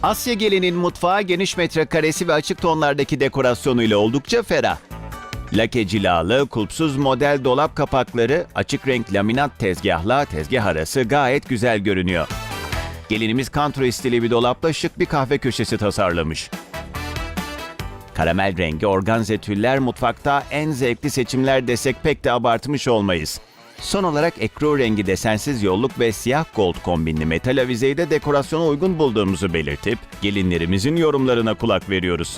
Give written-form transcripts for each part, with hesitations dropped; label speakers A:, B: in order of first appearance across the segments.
A: Asya Gelin'in mutfağı geniş metrekaresi ve açık tonlardaki dekorasyonuyla oldukça ferah. Lake cilalı, kulpsuz model dolap kapakları, açık renk laminat tezgahla tezgah arası gayet güzel görünüyor. Gelinimiz country stili bir dolapla şık bir kahve köşesi tasarlamış. Karamel rengi organze tüller mutfakta en zevkli seçimler desek pek de abartmış olmayız. Son olarak ekru rengi desensiz yolluk ve siyah gold kombinli metal avizeyi de dekorasyona uygun bulduğumuzu belirtip gelinlerimizin yorumlarına kulak veriyoruz.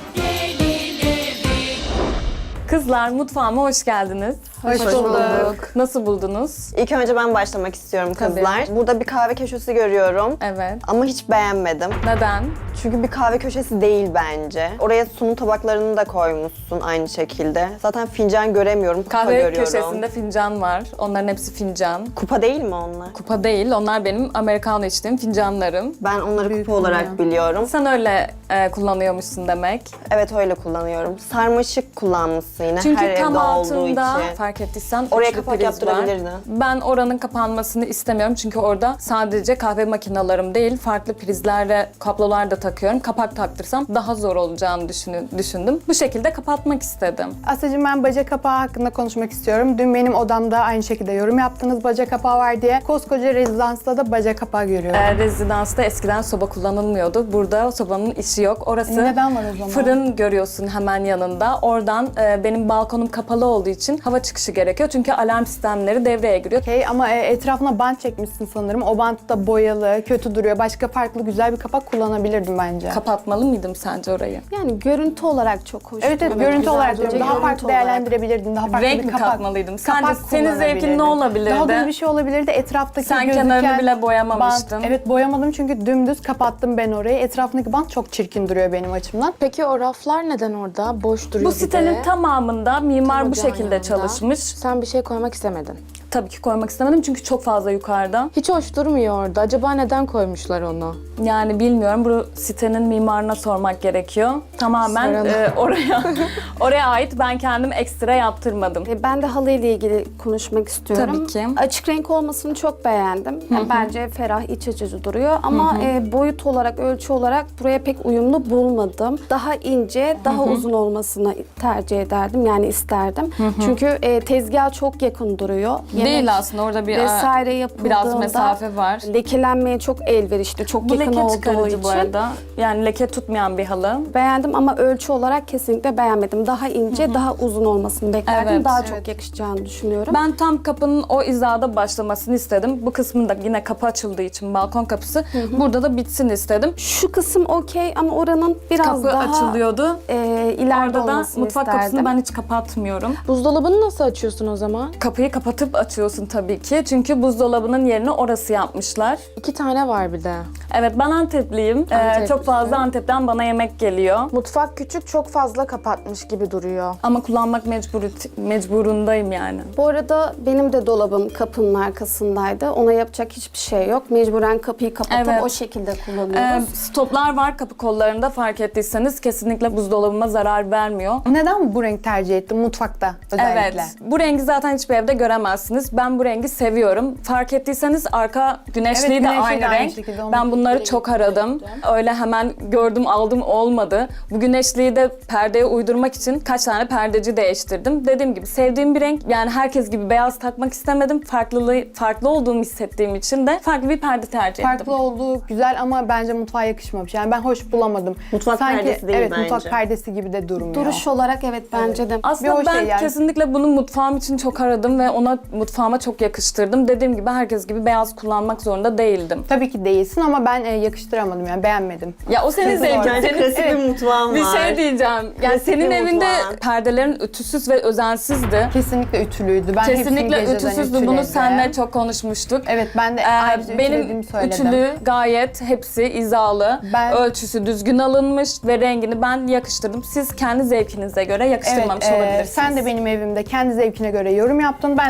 B: Kızlar mutfağıma hoş geldiniz.
C: Hoş bulduk.
B: Nasıl buldunuz?
C: İlk önce ben başlamak istiyorum kızlar.
B: Tabii.
C: Burada bir kahve köşesi görüyorum.
B: Evet.
C: Ama hiç beğenmedim.
B: Neden?
C: Çünkü bir kahve köşesi değil bence. Oraya sunum tabaklarını da koymuşsun aynı şekilde. Zaten fincan göremiyorum, kupa
B: Kahve
C: görüyorum.
B: köşesinde fincan var. Onların hepsi fincan.
C: Kupa değil mi onlar?
B: Kupa değil, onlar benim Americano içtiğim fincanlarım.
C: Ben onları kupa olarak biliyorum.
B: Sen öyle kullanıyormuşsun demek.
C: Evet öyle kullanıyorum. Sarmaşık kullanmışsın yine
B: Çünkü
C: her evde
B: tam
C: olduğu
B: altında
C: için.
B: fark ettiysen
C: Oraya
B: üçlü
C: kapak
B: priz
C: yaptırabilirdin.
B: var. Ben oranın kapanmasını istemiyorum çünkü orada sadece kahve makinalarım değil, farklı prizlerle kablolar da takıyorum. Kapak taktırsam daha zor olacağını düşündüm. Bu şekilde kapatmak istedim.
D: Asya'cığım, ben baca kapağı hakkında konuşmak istiyorum. Dün benim odamda aynı şekilde yorum yaptınız baca kapağı var diye. Koskoca rezidansta da baca kapağı görüyorum.
B: Rezidansta eskiden soba kullanılmıyordu. Burada sobanın işi yok. Orası
D: Neden var o zaman?
B: fırın görüyorsun hemen yanında. Oradan benim balkonum kapalı olduğu için hava çıkışı gerekiyor. Çünkü alarm sistemleri devreye giriyor.
D: Okey, ama etrafına bant çekmişsin sanırım. O bant da boyalı, kötü duruyor. Başka farklı güzel bir kapak kullanabilirdim bence.
B: Kapatmalı mıydım sence orayı?
E: Yani görüntü olarak çok hoş.
D: Evet, görüntü
E: güzel
D: olarak
E: duruyor.
D: diyorum. Daha
E: Görüntü
D: farklı
E: olarak.
D: değerlendirebilirdin. Daha farklı
B: Renk
D: bir
B: mi
D: kapak.
B: katmalıydım? Sence
D: Kapak
B: senin zevkin
D: kullanabilirdin.
B: ne olabilirdi?
D: Daha düz bir şey olabilirdi. Etraftaki
B: Sen
D: gözüken
B: kenarını bile boyamamıştın.
D: bant. Evet, boyamadım çünkü dümdüz kapattım ben orayı. Etrafındaki bant çok çirkin duruyor benim açımdan.
E: Peki o raflar neden orada? Boş duruyor
B: Bu
E: bir de.
B: sitenin tamamında mimar
E: Tam
B: bu
E: ocağın
B: şekilde
E: yanında.
B: çalışmış.
E: Sen bir şey koymak istemedin.
B: Tabii ki koymak istemedim çünkü çok fazla yukarıda.
E: Hiç hoş durmuyor orada. Acaba neden koymuşlar onu?
B: Yani bilmiyorum, bu sitenin mimarına sormak gerekiyor. Tamamen
E: Soralım.
B: oraya ait, ben kendim ekstra yaptırmadım.
F: Ben de halı ile ilgili konuşmak istiyorum.
B: Tabii ki.
F: Açık renk olmasını çok beğendim. Yani bence ferah, iç açıcı duruyor ama boyut olarak, ölçü olarak buraya pek uyumlu bulmadım. Daha ince, daha uzun olmasını tercih ederdim, yani isterdim. Çünkü tezgah çok yakın duruyor.
B: Değil aslında, orada bir
F: vesaire yapıldığında
B: biraz mesafe var.
F: lekelenmeye çok elverişli, çok
B: Bu
F: yakın
B: leke
F: olduğu
B: çıkarıcı
F: için.
B: bu arada. Yani leke tutmayan bir halı.
F: Beğendim ama ölçü olarak kesinlikle beğenmedim. Daha ince, daha uzun olmasını beklerdim.
B: Evet,
F: daha
B: evet.
F: çok yakışacağını düşünüyorum.
B: Ben tam kapının o hizada başlamasını istedim. Bu kısmında yine kapı açıldığı için balkon kapısı. Burada da bitsin istedim.
F: Şu kısım okey ama oranın biraz
B: Kapı
F: daha
B: açılıyordu.
F: ileride
B: Orada da
F: olmasını
B: mutfak
F: isterdim.
B: kapısını ben hiç kapatmıyorum.
E: Buzdolabını nasıl açıyorsun o zaman?
B: Kapıyı kapatıp açıyorsun tabii ki. Çünkü buzdolabının yerini orası yapmışlar.
E: 2 tane var bir de.
B: Evet, ben Antepliyim.
E: Anteplisin.
B: Çok fazla Antep'ten bana yemek geliyor.
E: Mutfak küçük, çok fazla kapatmış gibi duruyor.
B: Ama kullanmak mecburundayım yani.
F: Bu arada benim de dolabım kapının arkasındaydı. Ona yapacak hiçbir şey yok. Mecburen kapıyı kapatıp
B: Evet.
F: o şekilde kullanıyoruz.
B: Stoplar var kapı kollarında, fark ettiyseniz kesinlikle buzdolabıma zarar vermiyor.
D: Neden bu renk tercih ettin mutfakta özellikle?
B: Evet. Bu rengi zaten hiçbir evde göremezsiniz. Ben bu rengi seviyorum. Fark ettiyseniz arka güneşliği
D: Evet,
B: de
D: güneşliği
B: aynı
D: de aynı
B: renk.
D: şekilde, onu
B: Ben bunları çok aradım. Öyle hemen gördüm aldım olmadı. Bu güneşliği de perdeye uydurmak için kaç tane perdeci değiştirdim. Dediğim gibi sevdiğim bir renk. Yani herkes gibi beyaz takmak istemedim. Farklı olduğumu hissettiğim için de farklı bir perde tercih ettim.
D: Farklı olduğu güzel ama bence mutfağa yakışmamış. Yani ben hoş bulamadım.
C: Mutfak perdesi değil
D: evet,
C: bence.
D: mutfak perdesi gibi de durmuyor.
F: Duruş olarak evet bence de.
B: Aslında
D: Bir o
B: ben
D: şey yani.
B: kesinlikle bunu mutfağım için çok aradım ve ona mutfağıma çok yakıştırdım. Dediğim gibi herkes gibi beyaz kullanmak zorunda değildim.
D: Tabii ki değilsin ama ben yakıştıramadım, yani beğenmedim.
B: Ya o senin zevkin.
C: Bence
B: Senin
C: klasik bir mutfağım
B: bir
C: var.
B: şey diyeceğim. Yani
C: Klasik
B: senin
C: bir
B: evinde
C: mutfağın.
B: perdelerin ütüsüz ve özensizdi.
D: Kesinlikle ütülüydü. Ben hepsini
B: Kesinlikle
D: geceden
B: ütüsüzdü. Bunu
D: ütüledim.
B: seninle çok konuşmuştuk.
D: Evet, ben de ayrıca
B: Benim
D: ütülediğimi söyledim.
B: ütülü gayet hepsi hizalı.
D: Ben-
B: Ölçüsü düzgün alınmış ve rengini ben yakıştırdım. Siz kendi zevkinize göre yakıştırmamış olabilirsiniz.
D: Sen de benim evimde kendi zevkine göre yorum yaptın. Ben de senin
B: Evet,
D: evinde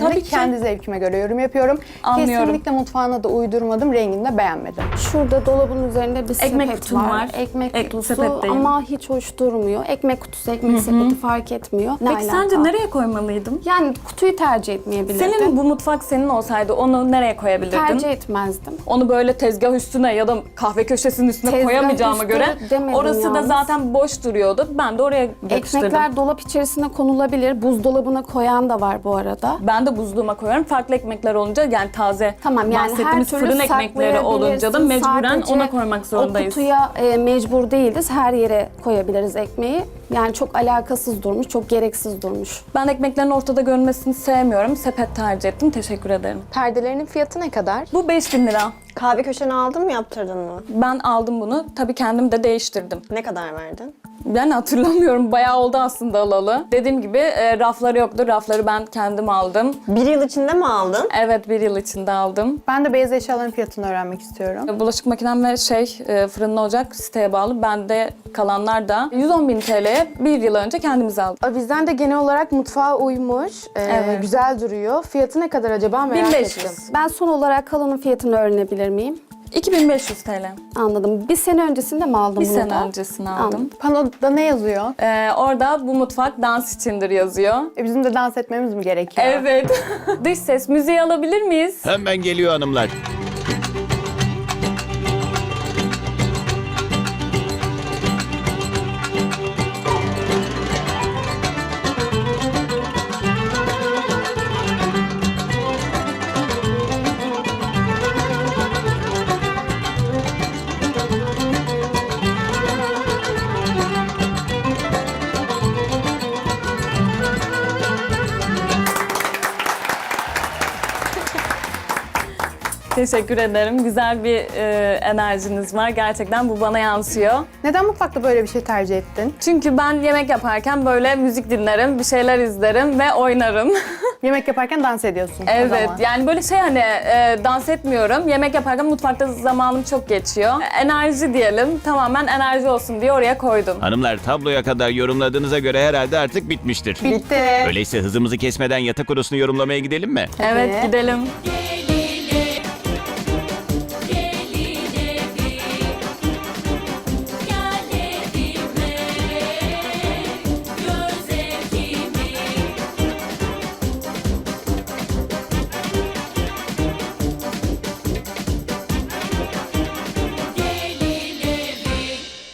B: Tabii
D: ve
B: ki.
D: kendi zevkime göre yorum yapıyorum.
B: Anlıyorum.
D: Kesinlikle mutfağına da uydurmadım, rengini de beğenmedim.
F: Şurada dolabın üzerinde bir
B: Ekmek
F: sepet
B: kutum var.
F: Ekmek kutusu
B: sepetteyim.
F: ama hiç hoş durmuyor. Ekmek kutusu, ekmek sepeti fark etmiyor. Ne
B: Peki
F: alaka?
B: sence nereye koymalıydım?
F: Yani kutuyu tercih etmeyebilirdin.
B: Senin bu mutfak senin olsaydı onu nereye koyabilirdin?
F: tercih etmezdim.
B: Onu böyle tezgah üstüne ya da kahve köşesinin üstüne
F: Tezgah
B: koyamayacağıma
F: üstü
B: göre
F: demedim
B: orası da
F: yalnız.
B: zaten boş duruyordu. Ben de oraya yapıştırdım.
F: Ekmekler dolap içerisine konulabilir. Buzdolabına koyan da var bu arada.
B: Ben de buzluğuma koyuyorum. Farklı ekmekler olunca yani taze
F: Tamam yani her
B: bahsettiğimiz
F: türlü
B: fırın ekmekleri olunca da
F: saklayabilirsin.
B: mecburen
F: Sadece
B: ona koymak zorundayız.
F: O kutuya mecbur değiliz. Her yere koyabiliriz ekmeği. Yani çok alakasız durmuş, çok gereksiz durmuş.
B: Ben ekmeklerin ortada görünmesini sevmiyorum. Sepet tercih ettim. Teşekkür ederim.
E: Perdelerinin fiyatı ne kadar?
B: Bu 5.000 lira.
C: Kahve köşeni aldın mı, yaptırdın mı?
B: Ben aldım bunu. Tabii kendim de değiştirdim.
C: Ne kadar verdin?
B: Yani hatırlamıyorum. Bayağı oldu aslında alalı. Dediğim gibi rafları yoktu. Rafları ben kendim aldım.
C: Bir yıl içinde mi aldın?
B: Evet, bir yıl içinde aldım.
D: Ben de beyaz eşyaların fiyatını öğrenmek istiyorum.
B: Bulaşık makinem ve fırınlı ocak siteye bağlı. Bende kalanlar da 110.000 TL'ye bir yıl önce kendimiz aldık.
E: Avizden de genel olarak mutfağa uymuş.
B: Evet.
E: Güzel duruyor. Fiyatı ne kadar acaba merak
B: 1500.
E: ettim.
F: Ben son olarak kalanın fiyatını öğrenebilir miyim?
B: 2500 TL.
F: Anladım. Bir sene öncesinde mi aldın
B: Bir
F: bunu
B: sene
F: da?
B: öncesini aldım.
F: Anladım.
D: Panoda ne yazıyor?
B: Orada bu mutfak dans içindir yazıyor.
D: Bizim de dans etmemiz mi gerekiyor?
B: Evet. Dış ses müziği alabilir miyiz?
A: Hemen geliyor hanımlar.
B: Teşekkür ederim. Güzel bir enerjiniz var. Gerçekten bu bana yansıyor.
D: Neden mutfakta böyle bir şey tercih ettin?
B: Çünkü ben yemek yaparken böyle müzik dinlerim, bir şeyler izlerim ve oynarım.
D: Yemek yaparken dans ediyorsun o
B: Evet,
D: zaman.
B: yani böyle dans etmiyorum. Yemek yaparken mutfakta zamanım çok geçiyor. Enerji diyelim, tamamen enerji olsun diye oraya koydum.
A: Hanımlar tabloya kadar yorumladığınıza göre herhalde artık bitmiştir.
D: Bitti.
A: Öyleyse hızımızı kesmeden yatak odasını yorumlamaya gidelim mi?
B: Evet, gidelim.